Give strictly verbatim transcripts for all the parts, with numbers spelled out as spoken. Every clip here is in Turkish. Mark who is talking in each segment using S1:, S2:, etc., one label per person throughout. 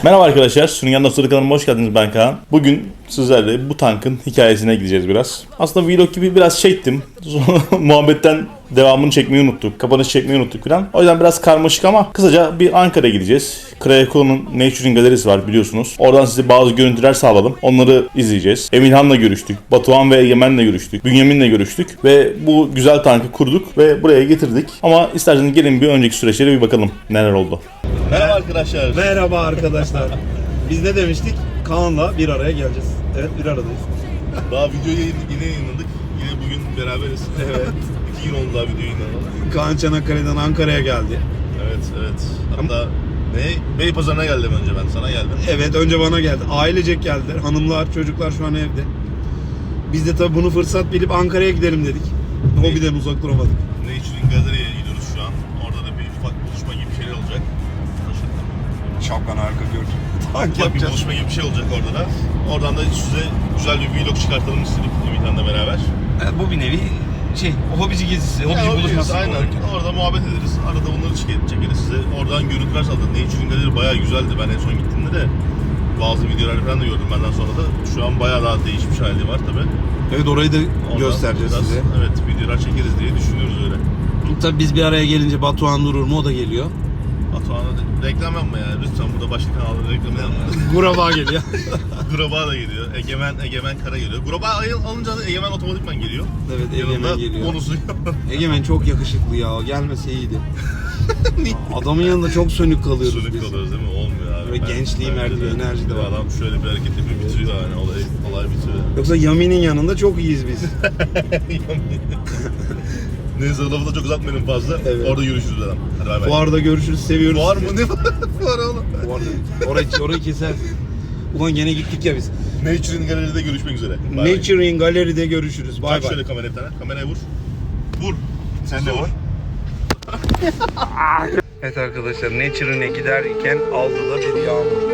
S1: Merhaba arkadaşlar, Sürüngen Dostları kanalıma hoş geldiniz. Ben Kaan. Bugün sizlerle bu tankın hikayesine gideceğiz biraz. Aslında vlog gibi biraz çektim. Muhabbetten devamını çekmeyi unuttuk. Kapanış çekmeyi unuttuk falan. O yüzden biraz karmaşık ama kısaca bir Ankara'ya gideceğiz. Krayeko'nun Naturing Galerisi var biliyorsunuz. Oradan size bazı görüntüler sağladım. Onları izleyeceğiz. Emirhan'la görüştük. Batuhan ve Egemen'le görüştük. Bünyamin'le görüştük. Ve bu güzel tankı kurduk ve buraya getirdik. Ama isterseniz gelin bir önceki süreçlere bir bakalım neler oldu. Merhaba arkadaşlar.
S2: Merhaba arkadaşlar. Biz ne demiştik? Kaan'la bir araya geleceğiz. Evet, bir aradayız.
S1: Daha videoyu yine yayınladık. Yine bugün beraberiz.
S2: Evet.
S1: İki gün oldu daha videoyu yayınladık.
S2: Kaan Çanakkale'den Ankara'ya geldi.
S1: Evet, evet. Hatta ne? Beypazarı'na geldim önce ben. Sana geldim.
S2: Evet, önce bana geldi. Ailecek geldiler. Hanımlar, çocuklar şu an evde. Biz de tabii bunu fırsat bilip Ankara'ya gidelim dedik. Hobiden uzak duramadık.
S1: Naturing Gallery'ye gidiyoruz şu an. Orada da bir ufak buluşma gibi bir şeyler olacak.
S2: Şapkan harika gördüm. Tank
S1: Ufak bir
S2: yapacağız.
S1: buluşma gibi bir şey olacak orada da. Oradan da size güzel bir vlog çıkartalım istedik Emirhan'la beraber.
S2: Evet, bu bir nevi şey, hobici gezisi, hobici
S1: Ya,
S2: buluşması.
S1: aynen.
S2: olarak.
S1: Orada muhabbet ederiz. Arada bunları çek- çekeriz size. Oradan görüntüler saldık. Naturing Gallery bayağı güzeldi. Ben en son gittiğimde de bazı videolar falan da gördüm benden sonra da. Şu an bayağı daha değişmiş hali var tabi.
S2: Evet, orayı da göstereceğiz size.
S1: Evet, videolar çekeriz diye düşünüyoruz öyle.
S2: Tabii biz bir araya gelince Batuhan durur mu, o da geliyor.
S1: Batuhan'a da reklam yapma ya. Lütfen burada başka kanalda reklam yapma.
S2: Guraba geliyor.
S1: Graba da geliyor. Egemen, Egemen Kara geliyor. Graba alınca da Egemen otomatikman geliyor.
S2: Evet, Egemen
S1: Yanında
S2: geliyor.
S1: bonusu yok.
S2: Egemen çok yakışıklı ya. Gelmese iyiydi. Adamın yanında çok sönük kalıyoruz
S1: Sönük
S2: biz.
S1: kalıyoruz değil mi? Olmuyor abi.
S2: Böyle gençliği,
S1: bence
S2: merdi, enerji de var.
S1: Adam şöyle bir hareket yapıyor, bitiriyor yani. Olay, olay bitiyor.
S2: Yoksa Yami'nin yanında çok iyiyiz biz.
S1: Neyse lafı da çok uzatmayalım fazla.
S2: Evet.
S1: Orada görüşürüz adam. Hadi bay bay.
S2: Fuarda görüşürüz, seviyoruz.
S1: Var mı? Ne var? Var oğlum.
S2: Fuarda. Orayı, orayı keser. Ulan gene gittik ya biz.
S1: Naturing Gallery'de görüşmek üzere. Bay bay.
S2: Naturing Gallery'de görüşürüz. Bay
S1: Çak
S2: bay.
S1: şöyle kameraya bir tane. Kameraya vur. Vur.
S2: Sen de vur. Evet arkadaşlar, Naturing'e giderken aldı da bir yağmur.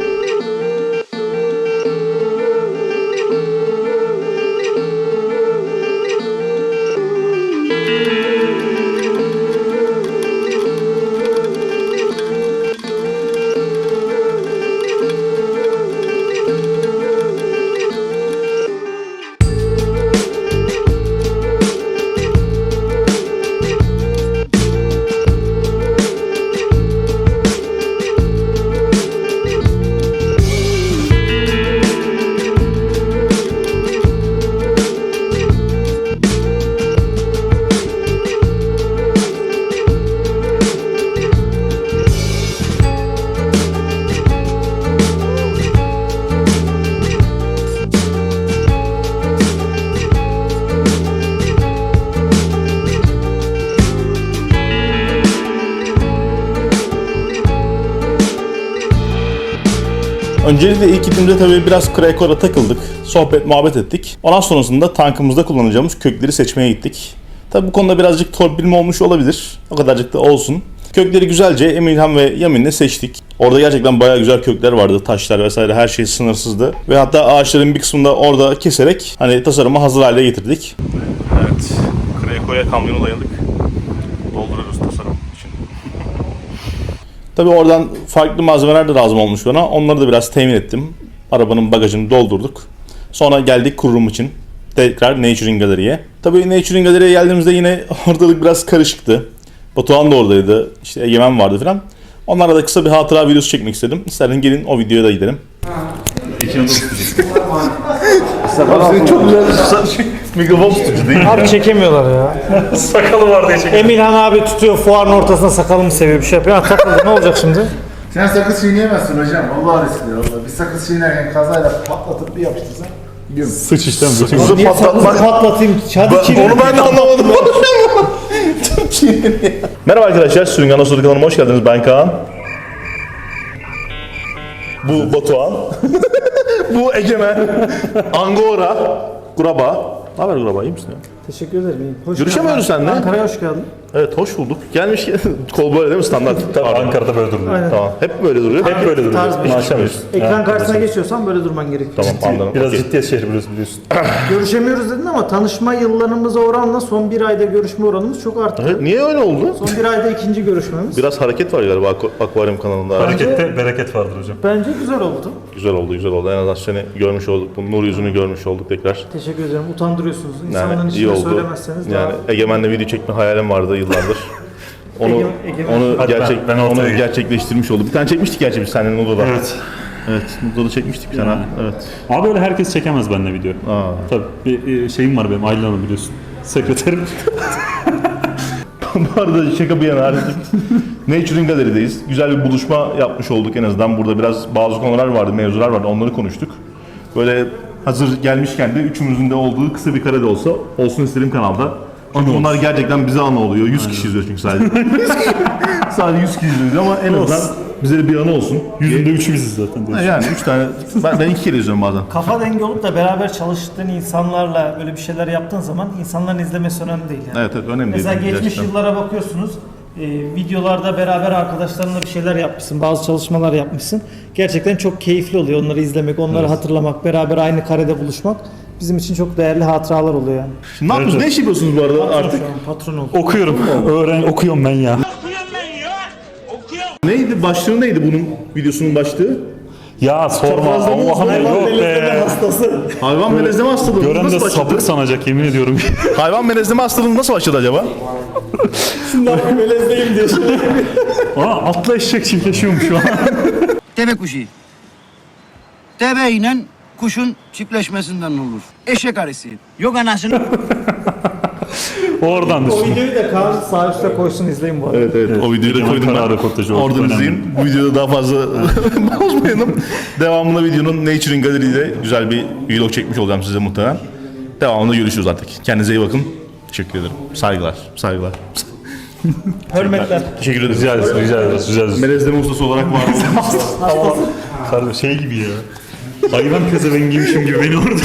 S1: Öncelikle ilk gittiğimde tabii biraz Krayeko'da takıldık. Sohbet, muhabbet ettik. Ondan sonrasında tankımızda kullanacağımız kökleri seçmeye gittik. Tabii bu konuda birazcık torpilme olmuş olabilir. O kadarcık da olsun. Kökleri güzelce Emirhan ve Yamin'le seçtik. Orada gerçekten bayağı güzel kökler vardı. Taşlar vesaire her şey sınırsızdı. Ve hatta ağaçların bir kısmını da orada keserek hani tasarımı hazır hale getirdik. Evet. Krayeko'ya kamyonu dayadık. Dolduruyoruz tasarım için. Tabii oradan farklı malzemeler de lazım olmuş bana. Onları da biraz temin ettim. Arabanın bagajını doldurduk. Sonra geldik kururum için. Tekrar Naturing Gallery'ye. Tabii Naturing Gallery'ye geldiğimizde yine ortalık biraz karışıktı. Batuhan da oradaydı. İşte Egemen vardı falan. Onlarla da kısa bir hatıra videosu çekmek istedim. İstersen gelin o videoya da gidelim. Senin çok güzel mikrofon tutucu değil mi?
S3: Abi çekemiyorlar ya.
S1: Sakalı var diye çekiyor.
S3: Emilhan abi tutuyor fuarın ortasına sakalımı seviyor bir şey yapıyor. Ha, takıldı ne olacak şimdi?
S4: Sen sakız çiğneyemezsin hocam. Vallahi riskli. Vallahi. Bir sakız çiğnerken kazayla patlatıp bir yapıştırsan.
S1: Sıç işte.
S3: Niye
S1: Niye
S3: sakızı patlatayım? Hadi çiğne.
S1: Onu ben de anlamadım. Merhaba arkadaşlar, Sürüngen Dostları kanalıma hoş geldiniz. Ben Kaan. Bu Batuhan. Bu Egemen. Angora. Graba. Ne haber Graba, iyi misin ya?
S3: Teşekkür ederim. Hoş
S1: Görüşemiyoruz
S3: geldin.
S1: seninle.
S3: Ankara'ya hoş geldin.
S1: Evet, hoş bulduk. Gelmiş kol böyle değil mi standart?
S5: Tabii Ankara'da böyle duruyor.
S3: Aynen.
S1: Tamam. Hep böyle duruyor.
S5: Hep böyle duruyor.
S3: Tarz bir şey.
S5: Maşallah.
S3: Ekran
S5: Ha,
S3: karşısına
S5: mesela.
S3: geçiyorsan böyle durman gerekiyor.
S1: Tamam, anladım.
S5: Biraz
S1: Okey.
S5: ciddiyet şehri biliyorsun. biliyorsun.
S3: Görüşemiyoruz dedin ama tanışma yıllarımıza oranla son bir ayda görüşme oranımız çok arttı.
S1: Evet, niye öyle oldu?
S3: Son bir ayda ikinci görüşmemiz.
S1: Biraz hareket var galiba Aqu- Aquarium kanalında.
S5: Harekette bereket vardır hocam.
S3: Bence güzel oldu.
S1: Güzel oldu, güzel oldu. En azından seni görmüş olduk. Bu nur yüzünü görmüş olduk tekrar.
S3: Teşekkür ederim. Utandırıyorsunuz. İnsanların
S1: Yani iyi
S3: içinde
S1: oldu.
S3: söylemezseniz
S1: Yani
S3: daha...
S1: Egemen'le video çekme hayalim vardı yıllardır. Onu
S3: Ege- Egemen-
S1: onu
S5: Hadi ben-
S1: gerçek
S5: ben ortaya
S1: onu
S5: geçeyim.
S1: gerçekleştirmiş oldu. Bir tane çekmiştik gerçi biz seninle Nudo'da.
S5: Evet.
S1: Evet, Nudo'da çekmiştik bir tane. Evet.
S5: Abi öyle herkes çekemez benimle video.
S1: Aa.
S5: Tabii bir e, şeyim var benim Aylin Hanım biliyorsun. Sekreterim.
S1: Bu arada şaka bir yana artık Nature'in galerideyiz. Güzel bir buluşma yapmış olduk en azından. Burada biraz bazı konular vardı, mevzular vardı. Onları konuştuk. Böyle hazır gelmişken de üçümüzün de olduğu kısa bir kare de olsa olsun isterim kanalda. Çünkü bunlar gerçekten bize anı oluyor. yüz kişi izliyor çünkü sadece. sadece yüz kişi izliyor ama en azından bize de bir anı olsun.
S5: Yüzünde üçü biziz zaten.
S1: Ha,
S5: diyorsun.
S1: Yani üç tane, ben, ben iki kere izliyorum bazen.
S3: Kafa dengi olup da beraber çalıştığın insanlarla böyle bir şeyler yaptığın zaman insanların izlemesi önemli değil yani.
S1: Evet evet önemli değil.
S3: Mesela geçmiş
S1: gerçekten.
S3: yıllara bakıyorsunuz. e, videolarda beraber arkadaşlarınla bir şeyler yapmışsın, bazı çalışmalar yapmışsın. Gerçekten çok keyifli oluyor onları izlemek, onları hatırlamak, beraber aynı karede buluşmak bizim için çok değerli hatıralar oluyor yani.
S1: Şimdi ne yapıyorsunuz? Ne iş yapıyorsunuz bu arada artık?
S3: Şu an patron oldu.
S5: Okuyorum. Öğren okuyorum ben ya.
S1: Neydi? Başlığı neydi bunun videosunun başlığı?
S5: Ya sorma
S1: Çaprazlama
S5: Allah'ım
S1: hayvan
S5: yok
S3: Melezleme
S5: be.
S3: hastası.
S1: Hayvan melezleme hastalığı.
S5: Gören
S1: nasıl
S5: de
S1: başladı?
S5: sapık sanacak yemin ediyorum.
S1: Hayvan melezleme hastalığı nasıl başladı acaba?
S3: Şimdi abi melezleyim diye.
S5: Aa atla eşek çiftleşiyormuş şu an.
S6: Deve kuşu. Deve ile kuşun çiftleşmesinden olur. Eşek arısı. Yok anasını.
S5: Oradan
S3: O
S5: düşün.
S3: videoyu da Kaan sağ üstte koysun izleyin bu arada.
S1: Evet evet, o videoyu da
S5: Egemen
S1: koydum
S5: Karar
S1: ben.
S5: röportajı oldu,
S1: Oradan
S5: önemli.
S1: izleyin. Bu videoda daha fazla bozmayalım. Devamında videonun Nature'in Gallery'de güzel bir vlog çekmiş olacağım size muhtemelen. Devamında görüşürüz artık. Kendinize iyi bakın. Teşekkür ederim. Saygılar. Saygılar.
S3: Hürmetler.
S1: Teşekkür ederim.
S5: Rica ederiz, rica ederiz, rica ederiz.
S1: Melezleme ustası olarak var oldum.
S5: Kardeş şey gibi ya. Hayvan pezevengiymişim gibi beni orada.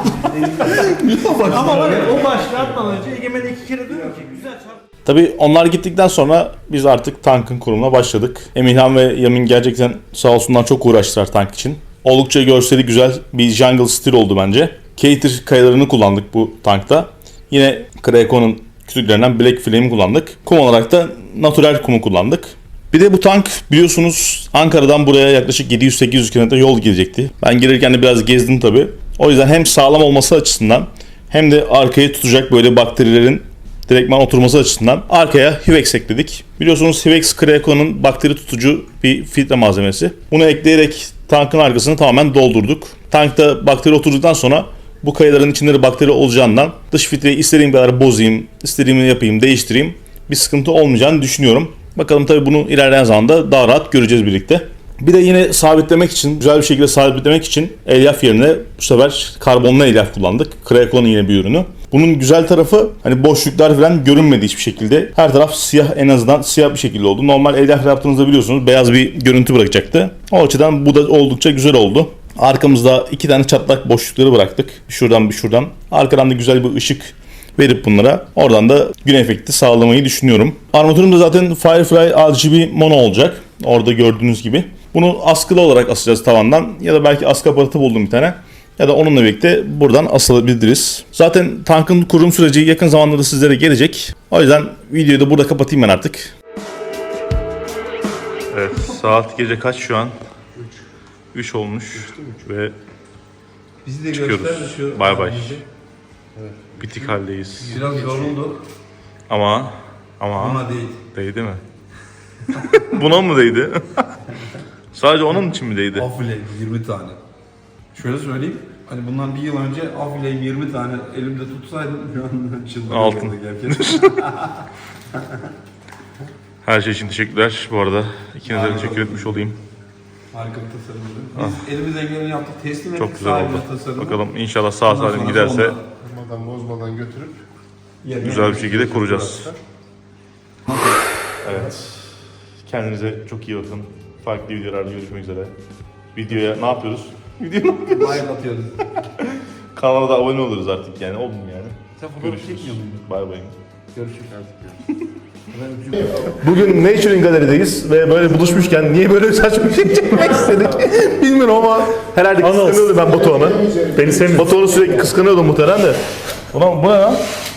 S3: Ama var ya o başlığı atmadan önce Egemen iki kere diyor ki güzel çarp.
S1: Tabii onlar gittikten sonra biz artık tankın kurumuna başladık. Emirhan ve Yamin gerçekten sağ olsunlar çok uğraştılar tank için. Oldukça görseli güzel bir jungle stil oldu bence. Cater kayalarını kullandık bu tankta. Yine Kraken'ın kütüklerinden Black Flame kullandık. Kum olarak da natural kumu kullandık. Bir de bu tank biliyorsunuz Ankara'dan buraya yaklaşık yedi yüz sekiz yüz kilometre yol gidecekti. Ben gelirken de biraz gezdim tabii. O yüzden hem sağlam olması açısından hem de arkayı tutacak böyle bakterilerin direktman oturması açısından arkaya Hivex ekledik. Biliyorsunuz Hivex Kraken'ın bakteri tutucu bir filtre malzemesi. Bunu ekleyerek tankın arkasını tamamen doldurduk. Tankta bakteri oturduktan sonra bu kayaların içinde de bakteri olacağından dış filtreyi istediğim kadar bozayım, istediğimi yapayım, değiştireyim. Bir sıkıntı olmayacağını düşünüyorum. Bakalım tabii bunu ilerleyen zamanda daha rahat göreceğiz birlikte. Bir de yine sabitlemek için, güzel bir şekilde sabitlemek için elyaf yerine bu sefer karbonlu elyaf kullandık. Kraken'ın yine bir ürünü. Bunun güzel tarafı hani boşluklar falan görünmedi hiçbir şekilde. Her taraf siyah, en azından siyah bir şekilde oldu. Normal elyaf yaptığınızda biliyorsunuz beyaz bir görüntü bırakacaktı. O açıdan bu da oldukça güzel oldu. Arkamızda iki tane çatlak boşlukları bıraktık. Bir şuradan bir şuradan. Arkadan da güzel bir ışık verip bunlara oradan da gün efekti sağlamayı düşünüyorum. Armatürüm de zaten Firefly R G B mono olacak. Orada gördüğünüz gibi. Bunu askılı olarak asacağız tavandan ya da belki askı aparatı buldum bir tane. Ya da onunla birlikte buradan asılabiliriz. Zaten tankın kurum süreci yakın zamanda sizlere gelecek. O yüzden videoyu da burada kapatayım ben artık. Evet, saat gece kaç şu an? üç olmuş ve
S2: Bizi de
S1: çıkıyoruz.
S2: göster şu.
S1: Bay bay. Bitik haldeyiz.
S2: Biraz yorulduk
S1: Ama ama
S2: ama değil.
S1: değdi mi? Buna mı değdi? Sadece onun için mi değdi?
S2: Afile yirmi tane. Şöyle söyleyeyim. Hani bundan bir yıl önce Afile'yi yirmi tane elimde tutsaydım şu an çıldırırdım.
S1: Altın.
S2: Gerçekten.
S1: Her şey için teşekkürler bu arada. İkinize de teşekkür etmiş olayım.
S2: Harika bir tasarımdı. Biz elimizden geleni yaptık. Teslim ettik
S1: Çok güzel oldu.
S2: sahibine tasarımı.
S1: Bakalım inşallah sağ
S2: Ondan
S1: salim
S2: sonra
S1: giderse
S2: sonunda
S4: Bozmadan bozmadan götürüp
S2: yerine
S1: güzel bir şekilde kuracağız. Evet. Kendinize çok iyi bakın. Farklı videolarda görüşmek üzere. Videoya ne yapıyoruz? Videoya ne yapıyoruz?
S2: like atıyoruz.
S1: Kanala da abone oluruz artık yani. Oldum yani.
S2: Sen fotoğraf
S1: Görüşürüz.
S2: çekmiyor muydun?
S1: Bay bay.
S4: Görüşürüz artık.
S1: Bugün Naturing Galeri'deyiz ve böyle buluşmuşken niye böyle saçma bir şey çekmek istedik bilmiyorum ama herhalde
S5: Anons.
S1: kıskanıyordu ben Batuhan'ı.
S5: Beni sevmiyor.
S1: Batuhan'ı sürekli kıskanıyordum muhtemelen de. Ulan bu ne lan?